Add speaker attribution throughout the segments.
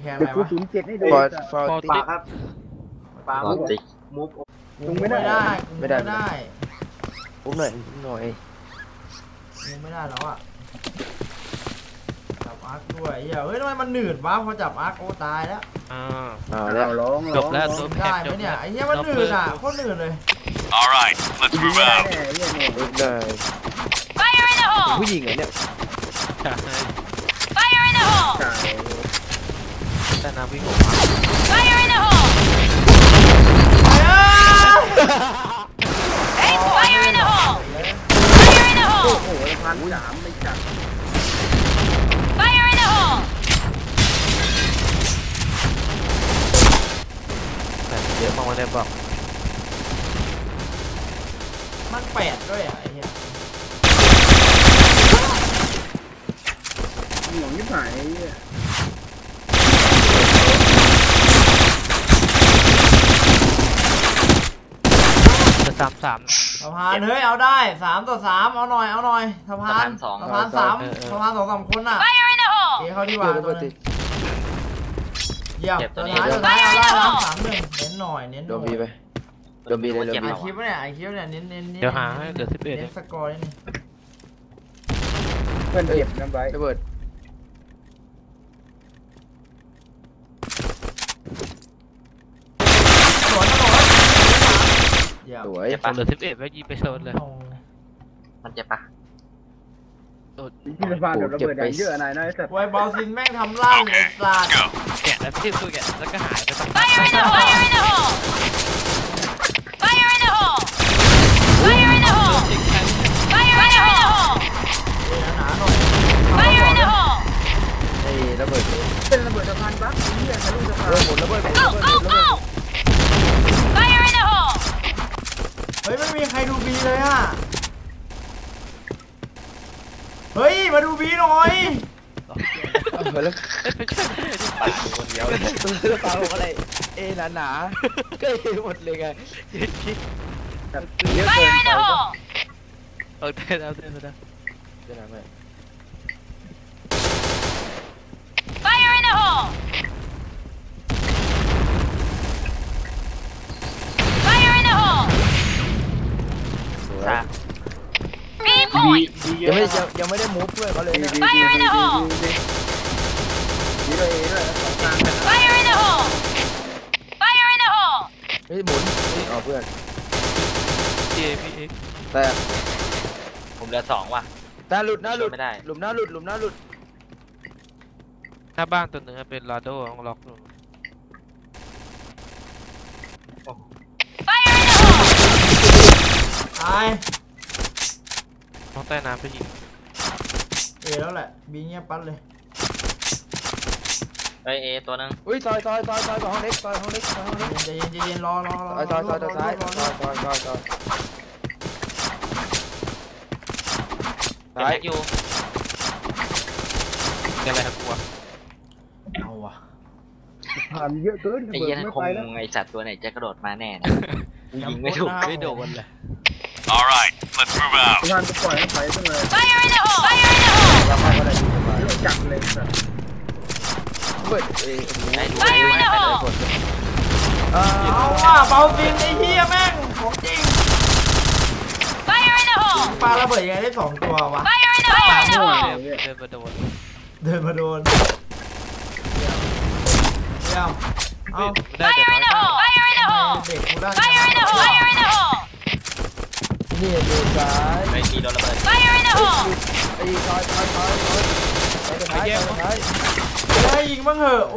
Speaker 1: แคนอะไรวะ
Speaker 2: 07ให้ดู
Speaker 3: ฟอร์ติครับปามุฟ
Speaker 1: มึงไม่ได้ไม่ได้
Speaker 3: ผมหน่อย
Speaker 1: มึงไม่ได้แล้วอ่ะจับอาร์คด้วยเฮ้ยทำไมมันหนืดวะพอจับอาร์คโอ้ตายแล้ว
Speaker 3: แล้ว
Speaker 4: จบแล้วตัว
Speaker 1: ได้ไหมเนี่ยไอ้เหี้ยมันหนืดอ่ะโคตรหนืดเลย
Speaker 5: Alright, let's move out.
Speaker 3: ได้ผู้หญิงเหรอเนี่ย
Speaker 6: Fire in the hole!
Speaker 4: แต่น้ำวิ่ง
Speaker 6: Fire in the hole! Hey, fire in the hole! Fire in the hole!
Speaker 2: โอ้โห1,300ไม่จับ
Speaker 6: Fire in the hole!
Speaker 4: แต่เยอะมากเลยบอก
Speaker 1: มัน8ด้วยอ่ะไอ้เหี้ย
Speaker 2: หน่วงยิ่งหาย
Speaker 4: จะ3-3
Speaker 1: สะพานเฮ้ยเอาได้3-3เอาหน่อยสะพาน3สะพาน2-3คนอ่ะเก๋เขาดีกว่าตัวนึงเยี่ยมตัวท้ายเอาได้แล้ว3-1เน้นหน่อย
Speaker 3: โดนบีไปโดนบีเลย
Speaker 1: ไอคิวเนี่ยเน้น
Speaker 4: เดี๋ยวหาให้เหลือ11
Speaker 1: เน้นสกอร์นี่
Speaker 2: เพื่อนเก็บน้ำไว้
Speaker 3: ระเบิด
Speaker 1: สวย
Speaker 3: เห
Speaker 4: ลือ11ไว้ยิงไปโซนเลย
Speaker 3: มันเจ็บปะ
Speaker 2: ที่สะพานเดี๋ยวระเบิดเยอะนายนะไอ้สัตว์
Speaker 1: ไวบอลซินแม่งทำล่างไอ้สัตว์
Speaker 4: แกะแล้วที่สู้แกะแล้วก็หายไปตั้ง
Speaker 6: Fire in the hole! Fire in the hole! Fire in the hole! Fire in the hole! Fire in the hole!
Speaker 3: ไอ้ระเบิด
Speaker 2: เป็นระเบิดสะพานปั๊บนี่ทะลุสะพาน
Speaker 3: หมดระเบิด
Speaker 6: Go! Fire in the hole!
Speaker 1: เฮ้ยไม่มีใครดูบีเลยอ่ะเฮ้ยมาดูบีหน่อย
Speaker 3: แล้วคนเดียวตัวปลาของอะไรหนาก็หมดเลยไงเยอะเกิน
Speaker 6: Fire in the hole!
Speaker 4: เต้นเอาจะทำไง
Speaker 6: Fire in the hole! Fire in the hole! 3 point!
Speaker 3: ยังไม่ได้มูฟเพื่อนเขาเลยนะ
Speaker 6: Fire in the hole!
Speaker 2: นี่เลย
Speaker 6: Fire in the hole! Fire in the hole!
Speaker 3: เฮ้ยหมุนอ๋อเพื่อน
Speaker 4: พี่
Speaker 3: แต่
Speaker 7: ผมเหลือ2ว่ะ
Speaker 3: แต่หลุดหน้าหลุด
Speaker 7: ไม่ได้
Speaker 3: หลุมหน้าหลุด
Speaker 4: หน้าบ้านตัวหนึ่งเป็นลาโดของล็อก
Speaker 6: Fire in the hole!
Speaker 1: ตาย
Speaker 4: ต้องใต้น้ำไปยิง
Speaker 1: แล้วแหละบีเงียบปั๊ดเลย
Speaker 7: เตัวนึง
Speaker 3: อุ้ยซอยห้องเล็ก
Speaker 1: ใจเย็นรอ
Speaker 3: ซอยซ้าย
Speaker 7: อยู่
Speaker 4: อะไรครับกู
Speaker 1: เอาว่ะ
Speaker 2: ผ่านเยอะเกิน
Speaker 7: ไอ้เหี้ยคงไอ้สัตว์ตัวไหนจะกระโดดมาแน่นะยิงไม่ถูก
Speaker 4: ไม่โดนเลย
Speaker 5: Alright, let's move out.
Speaker 2: สะพานก็ปล่อยให้ไปตั้งเลย
Speaker 6: Fire in the hole! Fire in the hole!
Speaker 3: เราเข้าก็ได้ดีกว่า
Speaker 2: จับเลยสัตว์
Speaker 3: เปิด
Speaker 6: Fire in the hole!
Speaker 1: เอาว่ะเบาซินไอ้เหี้ยแม่งของจริง
Speaker 6: Fire in the hole!
Speaker 1: ปาระเบิดยังไงได้2ตัววะ
Speaker 6: Fire in the hole!
Speaker 1: เดินมาโดนเดี๋ยวเอา
Speaker 6: Fire in the hole! Fire in the hole!
Speaker 1: เด็กกูได้
Speaker 6: Fire in the hole! Fire in the hole!
Speaker 3: นี่ดูซ้าย
Speaker 7: ไม่มีโดนระเบิด
Speaker 6: Fire in the hole!
Speaker 3: ไอ้ซอยไปแยก
Speaker 1: ได้ยิงบ้างเหอะโอ้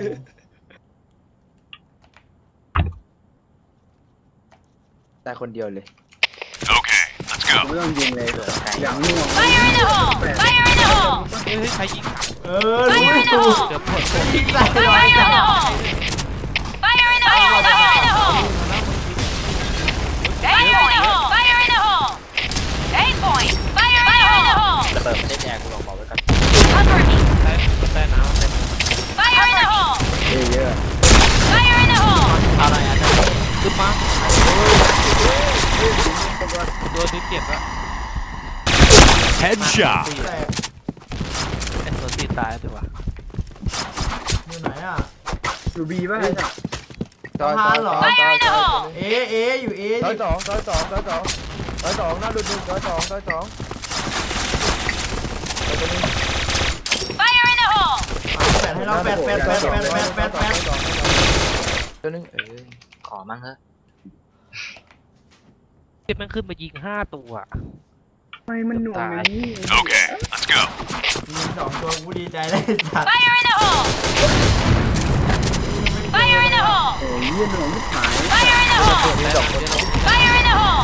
Speaker 3: แต่คนเดียวเลย
Speaker 5: Okay, let's go.
Speaker 2: ไม่ต้องยิงเลยอย่างน่วง
Speaker 6: Fire in the hole! Fire in the hole!
Speaker 4: ใครยิง
Speaker 1: รู้ตู
Speaker 4: เดี๋ยวปวด
Speaker 1: ยิงใส่
Speaker 6: Fire in the hole! Fire in the hole! Fire in the hole! Fire in the hole! Fire in the hole! 8 point! Fire in the hole!
Speaker 7: ระเบิดไม่ได้แจกกูลองบอกไว้ก่อน
Speaker 6: Cover me!
Speaker 4: ใต้น้ำ
Speaker 6: Fire in the hole!
Speaker 3: เยอะ
Speaker 6: Fire in the hole!
Speaker 7: อะไรอ่ะ
Speaker 4: ขึ้นมาตัวนี้เจ็บแล้ว
Speaker 5: Headshot.
Speaker 1: แตก
Speaker 4: ไอ้ตัวตีตายดีกว่า
Speaker 1: อยู่ไหนอ่ะ
Speaker 2: อยู่บีป่ะไอ้สัส
Speaker 3: ซอย
Speaker 1: เออยู่เอ
Speaker 3: ซอยสองหน้าดุดซอยสอง
Speaker 6: Fire in the hole!
Speaker 1: แปดให้เราแปด
Speaker 3: ตัวนึง
Speaker 7: ขอมั่งเถอะ
Speaker 4: เจ็บมันขึ้นมายิง5 ตัว
Speaker 2: ทำไมมันหน่วงอย่างนี้
Speaker 5: Okay, let's go.
Speaker 1: ยิง2 ตัวกูดีใจเลยสัตว์
Speaker 6: Fire in the hole! Fire in the hole!
Speaker 2: โอ้ยหน่วงไม่หาย
Speaker 6: Fire in the hole!
Speaker 3: มี2 คน
Speaker 6: Fire in the hole!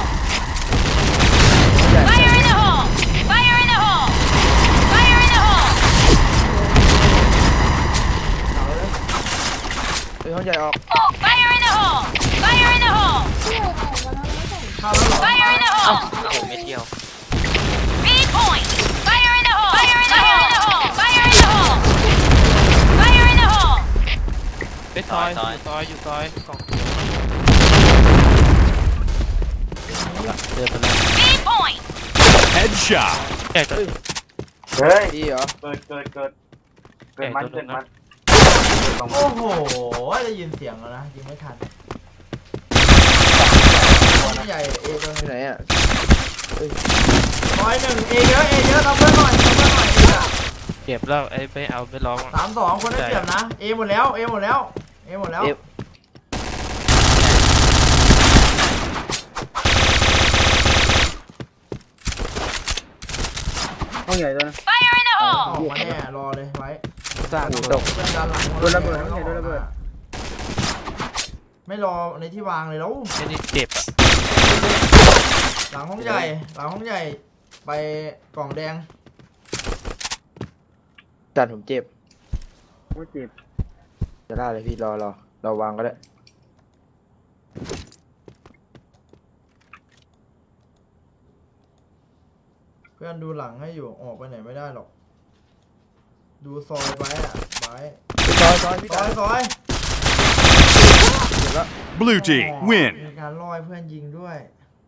Speaker 6: Fire in the hole! Fire in the hole! Fire in the hole!
Speaker 3: ห้องใหญ่ออก
Speaker 6: Fire in the hole! Fire in the hole!
Speaker 1: เข้าแล้วเหรอ
Speaker 6: Fire in the
Speaker 7: เอ้า
Speaker 6: hole!
Speaker 7: โอ้โหไม่เที่ยว
Speaker 6: B point! Fire in the hole! Fire in the hole! Fire in the hole! Fire in the hole!
Speaker 4: ไปซอยอยู่ซอยกล่องเดินไปแล้ว
Speaker 6: B point!
Speaker 5: Headshot.
Speaker 4: ใหญ่ตัว
Speaker 2: เฮ้ย
Speaker 3: ดีเหรอ
Speaker 2: เกิด
Speaker 4: ใหญ่ตัวนึงนะ
Speaker 1: โอ้โหได้ยินเสียงแล้วนะยิงไม่ทันใหญ่เอตัว
Speaker 3: ที่ไหนอ่ะ
Speaker 1: 1 เอเยอะเราเพิ่มหน่อย
Speaker 4: เก็บแล้วไอ้ไปเอาไปร้อง
Speaker 1: 3-2 คนได้เปรียบนะเอหมดแล้ว
Speaker 2: ห้องใหญ่ตัวนะ
Speaker 6: Fire in the
Speaker 1: อ
Speaker 6: hole!
Speaker 1: อกมาแน่รอเลยไว้
Speaker 3: สร้างตก
Speaker 1: เพื่อนด้านหลัง
Speaker 2: โดนระเบิดโดนระเบิด
Speaker 1: ไม่รอในที่วางเลยแล้ว
Speaker 4: ไอ้นี่เจ็บอ่ะ
Speaker 1: หลังห้องใหญ่ไปกล่องแดง
Speaker 3: จัดผมเจ็บ
Speaker 2: โอ้เจ็บ
Speaker 3: จะได้เลยพี่รอวางก็ได้
Speaker 1: เพื่อนดูหลังให้อยู่ออกไปไหนไม่ได้หรอกดูซอยไว้อะไว้
Speaker 3: ซอยพี่
Speaker 1: ซอย
Speaker 3: เจ็บแล้ว
Speaker 5: Blue team, win.
Speaker 1: มีการล่อให้เพื่อนยิงด้วย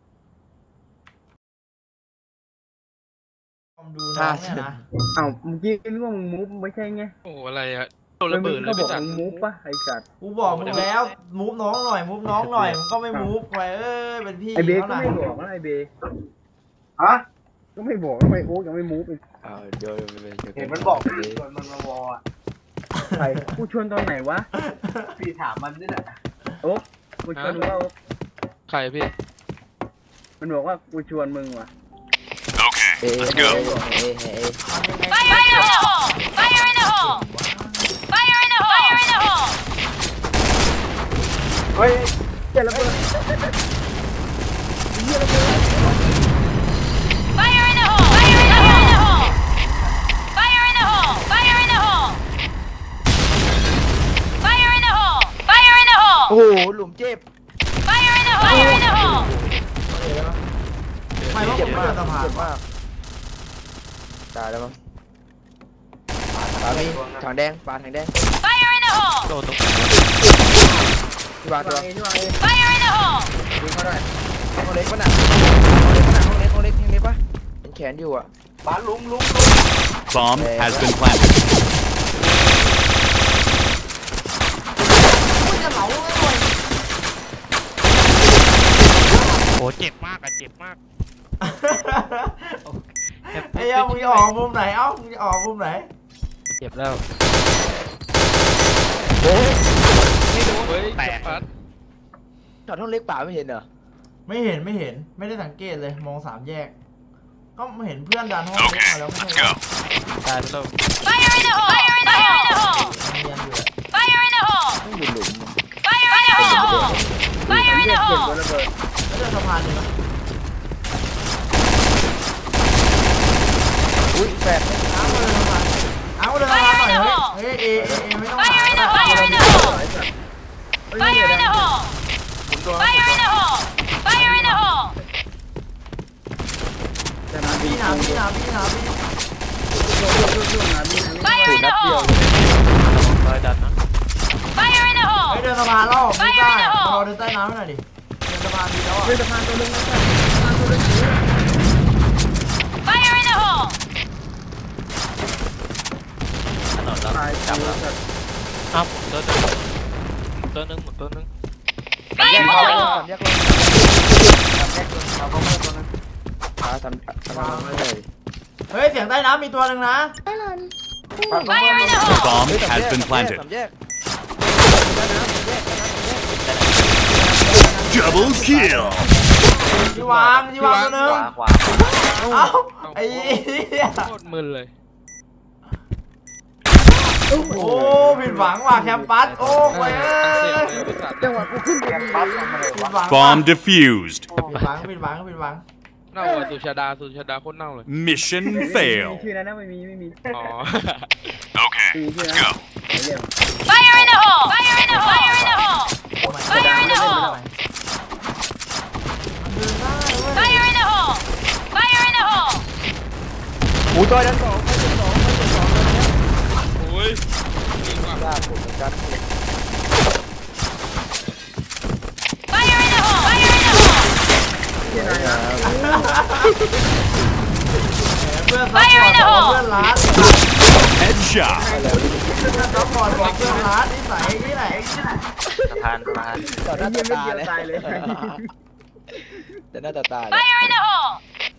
Speaker 1: ดูน้องเนี่ยนะ
Speaker 2: อ้าวเมื่อกี้นึกว่ามึงมูฟไม่ใช่ไง
Speaker 4: โอ้อะไรอะโดนระเบิดเลย
Speaker 2: ก็บ
Speaker 4: พี่
Speaker 2: อก
Speaker 4: จักร
Speaker 2: มึงมูฟป่ะไอ้สัตว์
Speaker 1: กูบอกมึงแล้วมูฟน้องหน่อยมึงก็ไม่มูฟไปเป็นพี่
Speaker 2: ไอเบย์
Speaker 1: เขา
Speaker 2: ก็
Speaker 1: น่ะ
Speaker 2: ไม่บอกนะไอเบย์ฮะก็ไม่บอกทำไมโอ๊กยังไม่มูฟอีก
Speaker 3: เดี๋ยว
Speaker 2: เห็นมันบอกพี่ชวนมันมาวออ่ะใครกูชวนตอนไหนวะพี่ถามมันนี่แหละโอ๊กกูชวนมึงว่าโอ๊ก
Speaker 4: ใครพี่
Speaker 2: มันบอกว่ากูชวนมึงว่ะ
Speaker 5: Okay, let's go.
Speaker 6: Fire in the hole! Fire in the hole! Fire in the hole! Fire in the hole!
Speaker 2: เฮ้ยเจ็บระเบิด
Speaker 6: Fire in the hole! Fire in the hole! Fire in the hole! Fire in the hole! Fire in the hole! Fire in the
Speaker 3: โอ้
Speaker 6: hole!
Speaker 3: โหหลุมเจ็บ
Speaker 6: Fire in the hole! Fire in the hole!
Speaker 1: ไม่ว่าผมไม่จะผ่าน
Speaker 3: เจ็บมากตายแล้วมั้งปลามีถังแดงปลาถังแดง
Speaker 6: Fire in the hole!
Speaker 4: โดนตรง
Speaker 3: ที่วางตัว
Speaker 6: Fire in the hole!
Speaker 2: ยิงเขาได้
Speaker 3: ห้องเล็กป่ะน่ะห้องเล็กป่ะเห็นแขนอยู่อ่ะ
Speaker 2: บ้านลุง
Speaker 5: Bomb has been planted.
Speaker 4: โอ้เจ็บมากอะเจ็บมาก
Speaker 1: ไอ้มึงจะออกมุมไหนมึงจะออกมุมไหน
Speaker 4: เจ็บแล้ว
Speaker 3: โอ้ย
Speaker 4: เฮ้ยแตก
Speaker 3: จอดห้องเล็กป่าไม่เห็นเหรอ
Speaker 1: ไม่เห็นไม่ได้สังเกตเลยมอง3 แยกก็ไม่เห็นเพื่อนดันห้องเล็ก
Speaker 5: Okay,
Speaker 1: มาแล้วไม่
Speaker 5: let's
Speaker 1: ใช่
Speaker 5: go.
Speaker 4: ตายแล้ว
Speaker 6: Fire in the hole! Fire in the hole!
Speaker 1: เรียนอยู่
Speaker 6: Fire in the hole!
Speaker 3: ต้องอยู่หลุม
Speaker 6: Fire in the hole! Fire in the
Speaker 2: เจ็บ
Speaker 6: hole!
Speaker 2: ระเบิด
Speaker 1: ไม่ได้สะพานอยู่นะ
Speaker 3: อุ้ยแฝด
Speaker 1: เอาเลยสะพานหน่อยเฮ้ยเอไม่ต้อง
Speaker 6: Fire in the hole! Fire in the hole! Fire in the hole! Fire in the hole! Fire in the hole!
Speaker 2: แต่นาบี
Speaker 1: พี่หนาพี่
Speaker 6: Fire in the hole!
Speaker 4: รอยดันนะ
Speaker 6: Fire in the
Speaker 1: ไป
Speaker 6: hole!
Speaker 1: เดินสะพานแล้วไม่ได้เราเดินใต้น้ำหน่อยดิเดินสะพานดีแล้วอ่ะ
Speaker 2: เฮ้ยสะพานตัวนึงนะ
Speaker 6: Fire in the hole!
Speaker 7: ถนนแล้ว
Speaker 2: ตาย
Speaker 7: จับแล้ว
Speaker 2: สัตว์
Speaker 4: อ้าวผมตัวนึงตัวนึงหมดตัวนึง
Speaker 3: แยก
Speaker 6: Fire
Speaker 3: ล
Speaker 6: in
Speaker 3: ง
Speaker 6: the
Speaker 3: สาม
Speaker 6: hole!
Speaker 3: แยกลงสามแยกลงเอาเข้าเพื่อนตัวนั้นทำเลย
Speaker 1: เฮ้ยเสียงใต้น้ำมีตัวหนึ่งนะ
Speaker 6: Fire in the hole!
Speaker 5: Bomb has been planted.
Speaker 3: สามแยก
Speaker 5: Double kill.
Speaker 1: ที่วางตัวหนึ่ง
Speaker 7: ขวา
Speaker 1: เอ้าไอ้เหี้ย
Speaker 4: โคตรมึนเลย
Speaker 1: โอ้ผิดหวังว่ะแคมปัสโอ้ย
Speaker 2: จังหวะกูขึ้นไปปั๊บมาเลย
Speaker 1: ผิดหวัง
Speaker 5: Bomb defused.
Speaker 1: ผิดหวัง
Speaker 4: เน่าอ่ะสุชาดาโคตรเน่าเลย
Speaker 5: Mission
Speaker 2: มี
Speaker 5: fail.
Speaker 2: ชื่อนั้นนะไม่มี
Speaker 4: อ๋อ
Speaker 5: Okay,
Speaker 2: มีชื่อ
Speaker 5: let's
Speaker 2: นะ
Speaker 5: go.
Speaker 2: เรียก
Speaker 6: Fire in the hole! Fire in the hole! Fire in the hole! Fire in the hole! Fire in the hole! Fire in the hole!
Speaker 3: หมูตัวนั้นสองไม่ใช่สอง
Speaker 4: โอ้ย
Speaker 3: ยากผมเหมือนกัน
Speaker 6: Fire in the hole! Fire in the hole!
Speaker 2: ชื่อนายนะ
Speaker 1: เพื่อนซัพพอร์ตบอกเพื่อนร้าน
Speaker 5: Headshot.
Speaker 1: ซัพพอร์ตบอกเพื่อนร้านนิสัยที่ไหน
Speaker 7: สะพาน
Speaker 3: ต่อห
Speaker 2: ไอ้
Speaker 3: น้า
Speaker 2: เยี่ยม
Speaker 3: ตา
Speaker 2: เดียว
Speaker 3: เลย
Speaker 2: ตายเลย
Speaker 3: แต่หน้าตาเลย
Speaker 6: Fire in the hole!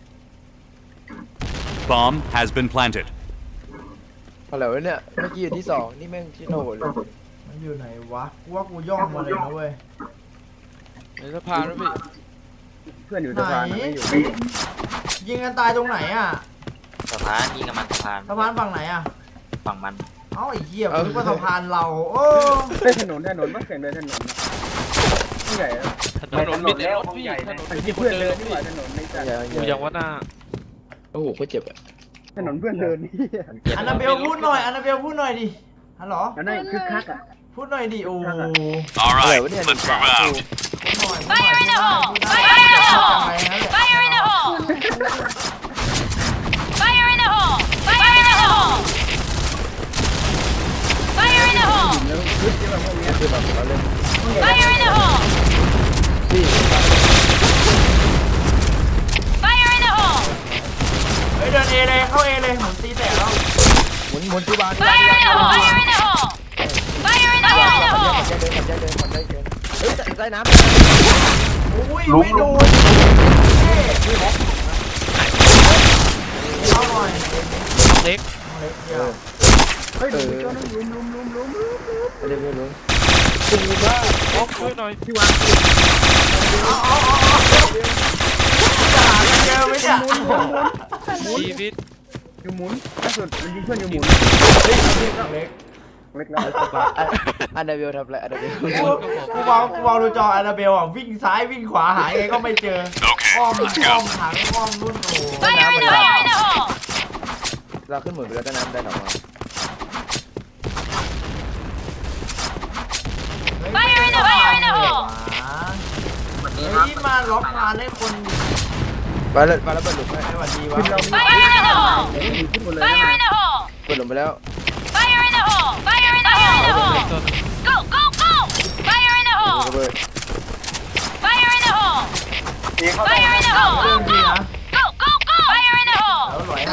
Speaker 5: Bomb has been planted.
Speaker 3: อะไรวะเนี่ยเมื่อกี้อยู่ที่สองนี่แม่งที่โหนเลย
Speaker 1: มันอยู่ไหนวะกูว่ากูย่องมาเลยนะเว้ย
Speaker 4: ในสะพานแล้วพี่
Speaker 2: เพื่อนอยู่สะพานไม่อยู่
Speaker 1: ยิงกันตายตรงไหนอ่ะ
Speaker 7: สะพานยิงกับมันสะพาน
Speaker 1: สะพานฝั่งไหนอ่ะ
Speaker 7: ฝั่งมัน
Speaker 1: เอ้าไอ้เหี้ยนึกว่าสะพานเราโอ้
Speaker 2: ได้ถนนว่าเสียงเดินถนนผู้ใหญ่
Speaker 4: ถนนมีแต่รถพี่ถนน
Speaker 2: มัน
Speaker 4: มี
Speaker 2: ที่
Speaker 4: คน
Speaker 2: เพื่อน
Speaker 4: เดิ
Speaker 2: เดิ
Speaker 4: น
Speaker 2: นนี่
Speaker 4: พี่
Speaker 2: หว่าถนนในจัด
Speaker 4: อยู่อย่างว่าหน้า
Speaker 3: โอ้โหก็เจ็บอ่ะ
Speaker 2: ถนนเพื่อนเดินนี่
Speaker 1: อันนาเบลพูดหน่อยดิฮัลโหล
Speaker 2: อันนั้นคึกคักอ่ะ
Speaker 1: พูดหน่อยดิโอ้
Speaker 5: All
Speaker 3: อะไร
Speaker 5: right,
Speaker 3: วะเนี่ย
Speaker 5: let's move out.
Speaker 6: Fire in the hole! Fire in the hole! Fire in the hole! Fire in the hole! Fire in the hole! Fire in the hole!
Speaker 2: แล้วคึกที่แบบพวกนี้
Speaker 3: คือแบบเราเล่น
Speaker 6: Fire in the hole!
Speaker 3: พี่
Speaker 6: Fire in the hole!
Speaker 1: เฮ้ยเดินเอเลยเข้าเอเลยผมตีแตกแล้ว
Speaker 3: หมุนที่บ้าน
Speaker 6: Fire in the hole! Fire in the hole! Fire in the hole!
Speaker 3: เฮ้ยใต้น้ำ
Speaker 1: อุ้ยไม่โดนเอาหน่อย
Speaker 4: เล็ก
Speaker 1: เล็กเดียว
Speaker 2: เฮ้ยดูจนลุม
Speaker 3: เร็ว
Speaker 4: โอ้ช่วยหน่อย
Speaker 2: ที่วาง
Speaker 1: จะหาเจอไหมเนี่ย
Speaker 4: ชีวิต
Speaker 2: อยู่หมุนล่าสุดมันยิงเพื่อนอยู่หมุน
Speaker 1: เล็ก
Speaker 2: เล็กแล้ว
Speaker 3: อันเดวิลทำอะไรอันเดวิล
Speaker 1: กูมองดูจอแอนนาเบลอ่ะวิ่งซ้ายวิ่งขวาหาไงก็ไม่เจอ
Speaker 5: Okay,
Speaker 1: อ้อม
Speaker 5: let's
Speaker 1: อ้อ
Speaker 5: go.
Speaker 1: มถังอ้อมรุ่นโอ้
Speaker 6: Fire in the hole! Fire in the hole!
Speaker 3: เราขึ้นหมุนไปแล้วใต้น้ำได้หรอวะ
Speaker 6: Fire in the hole! Fire in the hole!
Speaker 1: เฮ้ยมาล็อกมาให้คน
Speaker 3: ไปแล้วเปิดหลุมไป
Speaker 1: ไม่หวัดดีวะ
Speaker 2: ขึ้นเรา
Speaker 6: Fire in the hole!
Speaker 2: ขึ้นหมดเลย
Speaker 6: Fire in the hole!
Speaker 3: เปิดหลุมไปแล้ว
Speaker 6: Fire in the hole! Fire in the hole! Go, go, go! Fire in the
Speaker 3: ระ
Speaker 6: hole!
Speaker 3: เบิด
Speaker 6: Fire in the hole! Fire in the
Speaker 1: เรื่อง
Speaker 6: hole!
Speaker 1: ดีนะ
Speaker 6: Go, go, go! Fire in the
Speaker 1: แล้ว
Speaker 6: hole!
Speaker 1: หลอยให้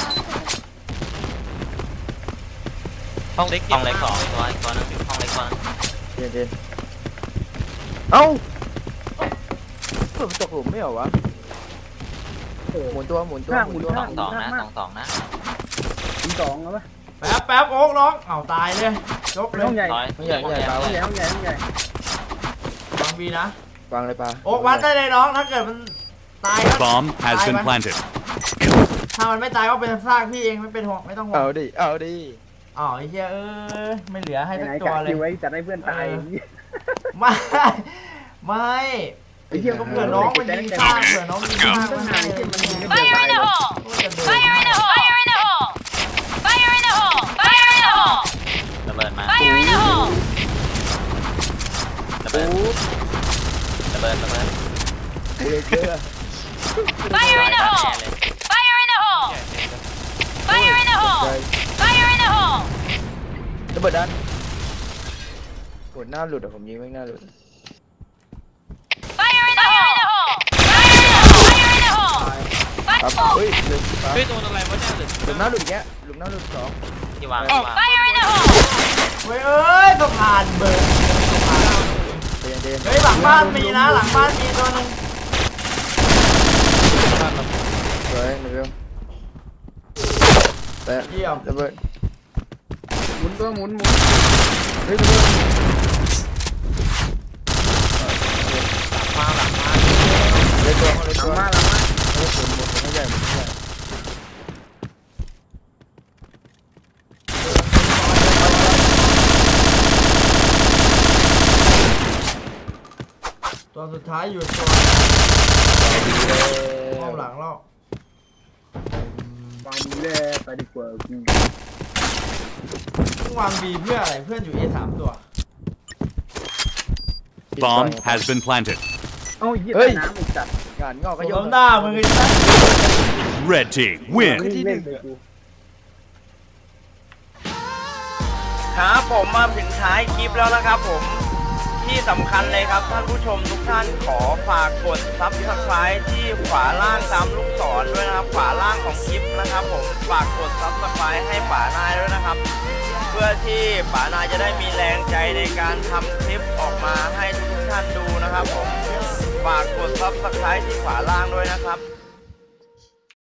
Speaker 4: ห้องเล็ก
Speaker 7: ห้องเล็กสองตัวอีกตัวนึงห้องเล็กตัวนึง
Speaker 3: เย็นเอ้าเปิดตกหลุมไม่เหรอวะหมุนตัว
Speaker 7: สองนะ
Speaker 2: สองแล้วปะ
Speaker 1: แป๊บโอ๊กน้องเอาตายเลยยกเลย
Speaker 2: ห้องใหญ่
Speaker 7: ร้อย
Speaker 3: ไม่ใหญ่
Speaker 2: ห้องใหญ่ห้องใหญ่
Speaker 1: วางบีนะ
Speaker 3: วางเลยปลา
Speaker 1: โอ๊กวัดได้เลยน้องถ้าเกิดมันตายก็
Speaker 5: Bomb has been planted.
Speaker 1: ถ้ามันไม่ตายก็เป็นซากพี่เองไม่เป็นห่วงไม่ต้องห่วง
Speaker 3: เอาดิ
Speaker 1: อ๋อไอ้เหี้ยไม่เหลือให้
Speaker 2: ไห
Speaker 1: สัก
Speaker 2: น
Speaker 1: ตั
Speaker 2: กะ
Speaker 1: วเลย
Speaker 2: คิวไว้จัดให้เพื่อนตาย
Speaker 1: ไม่
Speaker 2: ไอ้เหี้ย
Speaker 1: ก็เผื่อน้องมันยิงซากเผื่อน้องมันยิงซากมันให้
Speaker 6: Fire in the hole! Fire in the hole! Fire in the hole! Fire in the hole! Fire in the hole!
Speaker 7: ระเบิดมา
Speaker 6: Fire in the hole!
Speaker 7: ระเบิด
Speaker 3: เกลือ
Speaker 6: Fire in the hole! Fire in the hole! Fire in the hole! Fire in the hole!
Speaker 3: ระเบิดด้านโหหน้าหลุดอ่ะผมยิงไม่หน้าหลุด
Speaker 6: Fire in the hole! Fire in the hole! Fire in the hole!
Speaker 3: ครับเฮ้ยลืมปลา
Speaker 4: เฮ้ยโดนอะไรวะเนี่ย
Speaker 3: หลุมหน้าหลุดแกหลุมหน้าหลุดสอง
Speaker 7: ที่วาง
Speaker 6: Fire in the
Speaker 1: เว้ยเอ้ยสะพานเบิร์นเฮ้ยหลังบ้านมีนะหลังบ้านมีตัวนึง
Speaker 3: สวยหนึ่งเดียวแต่
Speaker 1: เยี่ยม
Speaker 3: ระเบิด
Speaker 2: หมุนตัวหมุน
Speaker 3: เฮ้ยระเบิด
Speaker 4: หลังมา
Speaker 3: เลยตัวเลย
Speaker 2: หลั
Speaker 3: ตั
Speaker 2: ง
Speaker 3: ว
Speaker 2: มาหลังมา
Speaker 3: หมดไม่ใหญ่หมดไม่ใหญ่
Speaker 1: ตัวสุดท้ายอยู่ตัวห้องหลังเรา
Speaker 2: วางมือเลยไปดีกว่า
Speaker 1: ต้องวางบีเพื่ออะไรเพื่อนอยู่ A 3 ตัว
Speaker 5: Bomb has been planted.
Speaker 2: เอ้าเยี่ยมน้ำอีกจัด
Speaker 3: งานงอกก็
Speaker 1: ล้
Speaker 3: ย
Speaker 1: ม
Speaker 3: ก
Speaker 1: หน้ามึงไอ้สัส
Speaker 5: Red team win.
Speaker 3: ที่หนึ่ง
Speaker 8: ครับผมมาถึงท้ายคลิปแล้วนะครับผมที่สำคัญเลยครับท่านผู้ชมทุกท่านขอฝากกด Subscribe ที่ขวาล่างตามลูกศรด้วยนะครับขวาล่างของคลิปนะครับผมฝากกด Subscribe ให้ป๋านายด้วยนะครับเพื่อที่ป๋านายจะได้มีแรงใจในการทำคลิปออกมาให้ทุกท่านดูนะครับผมฝากกด Subscribe ที่ขวาล่างด้วยนะครับ